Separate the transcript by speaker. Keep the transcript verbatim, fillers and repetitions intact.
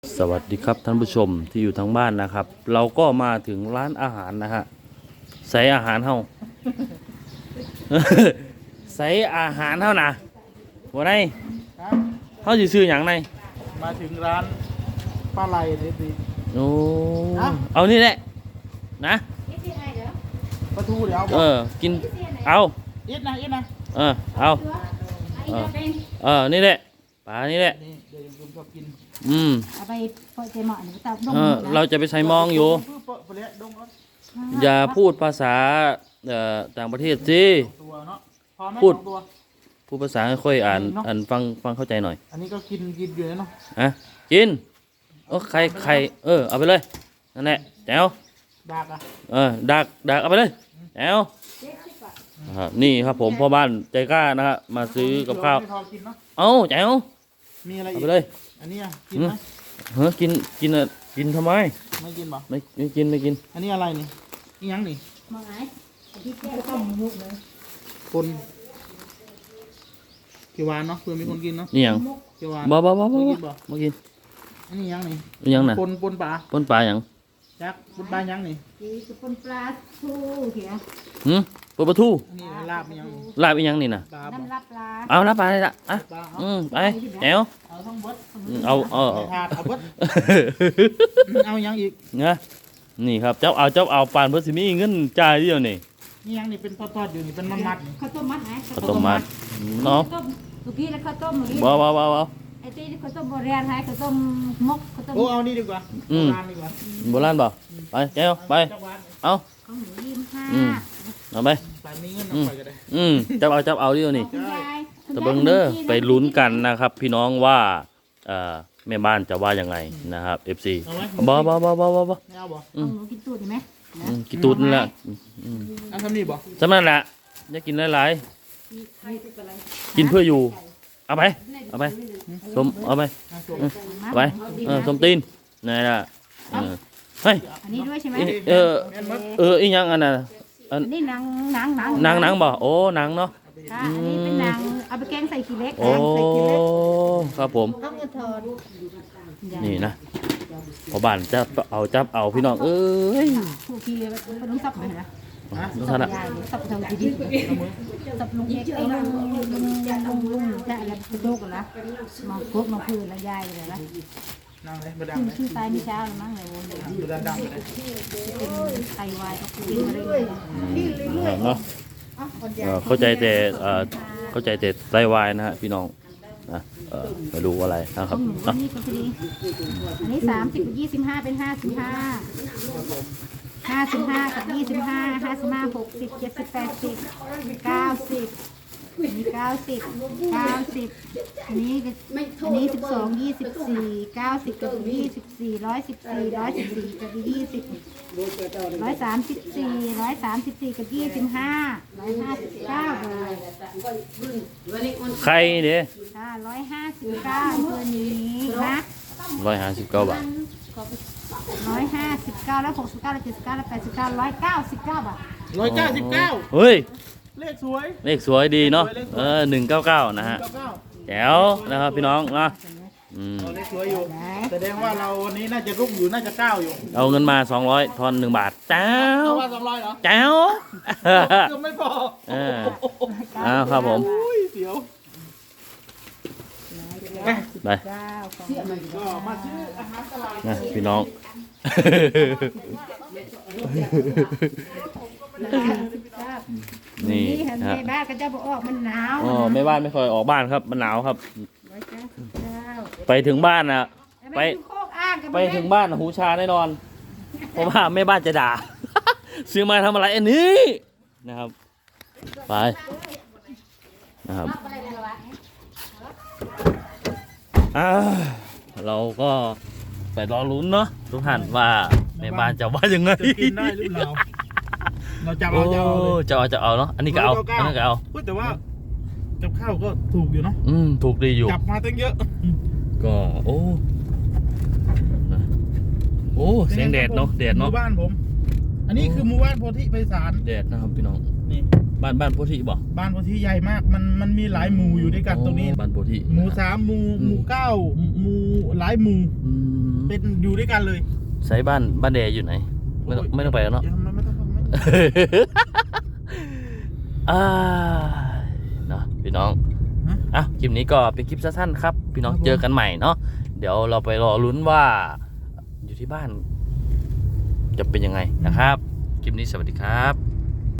Speaker 1: สวัสดีครับท่านผู้ชมที่อยู่ทางบ้านนะครับ เราก็มาถึงร้านอาหารนะฮะใส่อาหารเฮา ใส่อาหารเฮานะวันไหนเฮาสิซื้อหยังไง
Speaker 2: มาถึงร้านปลาไหลเลยสิ
Speaker 1: โอ้เอานี่แหละนะ
Speaker 2: ปลาทูเดี๋ยวเอาบ
Speaker 1: เอ
Speaker 2: อก
Speaker 1: อกินเอา
Speaker 2: อิดนะอิดนะ
Speaker 1: เออเอาเออเออนี่แหละปลานี่แหละ
Speaker 2: นี่เดี๋ยวผมชอบกิน
Speaker 1: อืม
Speaker 3: เอาไปเปิดเจหมอหรือเตาดง
Speaker 1: เออเราจะไปใส่มองอยู่
Speaker 2: เพื่อเปิดเปรี้ยดงเอา
Speaker 1: อย่าพูดภาษาเอ่อต่างประเทศสิ
Speaker 2: ตัวเนาะพอไหม
Speaker 1: พูด
Speaker 2: สองตัว
Speaker 1: พูดภาษาค่อยๆอ่านอ่านฟังฟังเข้าใจหน่อย
Speaker 2: อันนี้ก็กินกินอยู่นะเนาะ
Speaker 1: อะกินโอ้ใครใครเออเอาไปเลยนั่นแหละแจ๋ว
Speaker 2: ดากอ่ะ
Speaker 1: เออดักดักเอาไปเลยแจ๋วอ่านี่ครับผมพ่อบ้านใจกล้านะฮะมาซื้อกับข้าว
Speaker 2: ไม่พอกินเนาะ
Speaker 1: เอาแจ๋ว
Speaker 2: มีอะไร
Speaker 1: เอา
Speaker 2: อีก
Speaker 1: ไปเลย
Speaker 2: อันนี้อ่ะกินไหม
Speaker 1: เฮ้ยกินกินอะกินทำไม
Speaker 2: ไม่กินป่ะ
Speaker 1: ไม่ไม่กินไม่กิน
Speaker 2: อันนี้อะไรนี่อีหยังนี่
Speaker 3: มองไหนที่เจ๊ก็ต้องมุกเลย
Speaker 2: คนเขียวหวานเนาะเพื่อมีคนกินเนาะ
Speaker 1: นี่หยัง
Speaker 2: เขียวหวาน
Speaker 1: บ่บ่บ่บ่
Speaker 2: ไม่
Speaker 1: บ่
Speaker 2: กินบ่
Speaker 1: บ่กิน
Speaker 2: อันนี้หยังนี่
Speaker 1: นี่หยังน่ะ
Speaker 2: ปนปนปลา
Speaker 1: ปนปลาหยัง
Speaker 2: จักปนปลาหยังนี่
Speaker 3: ที่สุปนปลาทูเขีย
Speaker 1: หืมปลาปลาทู
Speaker 2: อันนี้ลาบอีหยังนี่
Speaker 1: ลาบอีหยังนี่น่ะ
Speaker 2: ปลาบ่
Speaker 3: น้ำรับปลา
Speaker 1: เอาลาบปลาเลยละอ่ะ
Speaker 2: ปลาเอา
Speaker 1: อืมไปแจ๋ว
Speaker 2: เอาทั้งเบิด
Speaker 1: อืมเอาเอาเอา
Speaker 2: ถาดเอาเบิดเอาหยังอีก
Speaker 1: นะนี่ครับเจ้าเอาเจ้าเอาปานเพื่อสิมีเงินจ่ายเดียวนี่
Speaker 2: นี่หยังนี่เป็นทอดๆอยู่นี่เป็นมัดๆนี่
Speaker 3: ข้าวต้มมัดไหน
Speaker 1: ข้าวต้มมัดน้อง
Speaker 3: ต้มเมื่อกี้แล้วข้าวต้มเมื่อกี้
Speaker 1: บ่บ่บ่บ่
Speaker 3: ไอ้ที่ข้าวต้มโบราณให้ข้าวต้มมกข้าวต้ม
Speaker 2: โอ้เอานี่ดีกว่า
Speaker 1: อืม
Speaker 2: โบราณดีกว่า
Speaker 1: โบราณบ่ไปแก้วไป
Speaker 2: จักหวาน
Speaker 1: เอา
Speaker 3: ของหนูยิ้มห้า
Speaker 1: อืม เอาไป
Speaker 2: ปลามีเงินเอาไปก็ได้
Speaker 1: อืมเจ้าเอาเจ้าเอาเดียวนี่
Speaker 3: คุณยาย
Speaker 1: ตะเบิงเด้อไปลุ้นกันนะครับ พี่น้องว่าเอ่อแม่บ้านจะว่ายังไงนะครับ เอฟ ซี
Speaker 2: เอาไหม
Speaker 1: บ่บ่บ่บ่บ่บ่
Speaker 2: ไม่เอาบ่
Speaker 3: ของหนูกินตูดดีไหม
Speaker 1: อืมกินตูดนั่นแหละอืม
Speaker 2: เอาทำนี่บ่
Speaker 1: สำนั้นแหละอย่ากินหลายๆกินเพื่ออยู่ เอาไป เอาไปสมเอาไป
Speaker 2: เอาส่ง
Speaker 1: เอาไปเออสมตีนนี่นล่ะเออเฮ้ย
Speaker 3: อันนี้ด้วยใช่ไหม
Speaker 1: เออ
Speaker 2: แม่นมัด
Speaker 1: เอออีหยังอันน่ะอัน
Speaker 3: อันนี้หนังหนังหนัง
Speaker 1: หนังหนังบ่โอ้หนังเนาะ
Speaker 3: ค่ะอันนี้เป็นหนังเอาไปแกงใส่ขี้เล็ก
Speaker 1: โอ้
Speaker 3: ใส่ขี้เล็ก
Speaker 1: ครับผม
Speaker 3: ต้องกระทอน
Speaker 1: นี่นะพอบ้านจะเอาจับเอาพี่น้องเอ้ย
Speaker 3: ผู้ขี้เป็นลุงซับไหมนะ
Speaker 1: ดูท่านละ
Speaker 3: ยายซับทางที่ดิซับลุงเอกไอ้ลุงลุงลุงลุงลุงแต่อะไรกระโดกนะมองกบมองพื้นแล้วยายเลยนะ
Speaker 2: นั่งเลยบ่ดัง
Speaker 3: ชื่อ
Speaker 2: เลย
Speaker 3: ชื่อตายไม่เช้าหรือมั้งเลย
Speaker 2: บ่ดังดังเลย
Speaker 3: เป็นไตวายก็กินอะไรเลย
Speaker 1: เนาะเอ่อเข้าใจแต่เอ่อเข้าใจแต่ไตวายนะฮะพี่น้องนะเอ่อไม่รู้อะไรนะค
Speaker 3: ข
Speaker 1: รั
Speaker 3: อบ งหนู
Speaker 1: เนาะ
Speaker 3: นี่ก็พอดีอันนี้สามสิบกับยี่สิบห้าเป็นห้าสิบห้าห้าสิบห้ากับยี่สิบห้าห้าสิบห้าหกสิบเจ็ดสิบแปดสิบเก้าสิบอันนี้เก้าสิบเก้าสิบอันนี้อันนี้สิบสองยี่สิบสี่เก้าสิบกับยี่สิบสี่ร้อยสิบสี่ร้อยสิบสี่กับยี่สิบร้อยสามสิบสี่ร้อยสามสิบสี่กับยี่สิบห้าร้อยห้าสิบเก้าเลย
Speaker 1: ใครเด้
Speaker 3: ค่ะร้อยห้าสิบเก้าตัวนี้นะ
Speaker 1: ร้อยห้าสิบเก้าบาท
Speaker 3: ร้อยห้าสิบเก้าแล้วหกสิบเก้าแล้วเจ็ดสิบเก้าแล้วแปดสิบเก้าร้อยเก้าสิบเก้าบาท
Speaker 2: ร้อยเก้าสิบเก้า
Speaker 1: เฮ้ย
Speaker 2: เลขสวย
Speaker 1: เลขสวยดีเนาะเออหนึ่งเก้าเก้านะฮะ
Speaker 2: เก้าเก้า
Speaker 1: แจ๋วนะครับพี่น้องนะอืม
Speaker 2: เอาเลขสวยอยู่แสดงว่าเราวันนี้น่าจะรุ่งอยู่น่าจะเก้าอยู่
Speaker 1: เอาเงินมาสองร้อยทอนหนึ่งบาทแจ๋ว
Speaker 2: เอาว่าสองร้อยเหรอ
Speaker 1: แจ๋ว
Speaker 2: ก็ไม่พอ
Speaker 1: เอออ้าวครับผม
Speaker 2: อุ้ยเสียว
Speaker 1: ไป
Speaker 3: เก้าของ
Speaker 2: ก็มาซื้ออาหารตลาด
Speaker 1: นะพี่น้อง
Speaker 3: สิบเก้า
Speaker 1: นี่
Speaker 3: นี่เห็น
Speaker 1: ฮะ
Speaker 3: ในบ้านก็จะบอกออกมันหนาว
Speaker 1: อ๋อแม่บ้านไม่ค่อยออกบ้านครับมันหนาวครับ
Speaker 3: ร้อยเก้าสิบเก้า
Speaker 1: ไปถึงบ้านนะ ไป
Speaker 3: ไปโคกอ้างกัน
Speaker 1: ไปถึงบ้านน่ะหูชาแน่นอน เพราะว่าแม่บ้านจะด่า ซื้อมาทำอะไรอันนี้นะครับ ไปนะครับอ่าเราก็ไปรอลุ้นเนาะทุกท่านว่าแม่บ้านจะว่ายังไง
Speaker 2: จะกินได้หรือเปล่าเราจับ
Speaker 1: โอ้
Speaker 2: เอาจะเอาเลย
Speaker 1: จะเอาจะเอาเนาะอันนี้ก็เอาอันนี้ก็เอา
Speaker 2: พูดแต่ว่ากับข้าวก็ถูกอยู่เนาะ
Speaker 1: อืมถูกดีอยู่
Speaker 2: จับมาตั้งเยอะ
Speaker 1: ก็โอ้นะโอ้เสียงแดดเนาะแดด
Speaker 2: ห
Speaker 1: เนาะ
Speaker 2: มู่บ้านผม อันนี้คือหมู่บ้านโพธิไพศาล
Speaker 1: แดดนะครับพี่น้อง
Speaker 2: นี่
Speaker 1: บ้านบ้านโพธิบ่
Speaker 2: บ้านโพธิใหญ่มาก มันมันมีหลายหมู่อยู่ด้วยกันตรงนี้
Speaker 1: บ้านโพธิ
Speaker 2: หมู่สามหมู่หมู่เก้าหมู่หลายหมู่
Speaker 1: อืม
Speaker 2: เป็นอยู่ด้วยกันเลย
Speaker 1: ใช้บ้านบ้านแดอยู่ไหนไม่ต้องไม่ต้องไปแล้วเนาะ
Speaker 2: ยังไม่ไม่ต้องไม่ต้อง
Speaker 1: อ่าเนาะพี่น้อง
Speaker 2: ฮะ
Speaker 1: อ่ะคลิปนี้ก็เป็นคลิปสั้นๆครับพี่น้อง
Speaker 2: ครับผม
Speaker 1: เจอกันใหม่เนาะเดี๋ยวเราไปรอลุ้นว่าอยู่ที่บ้าน จะเป็นยังไงนะครับคลิปนี้สวัสดีครับ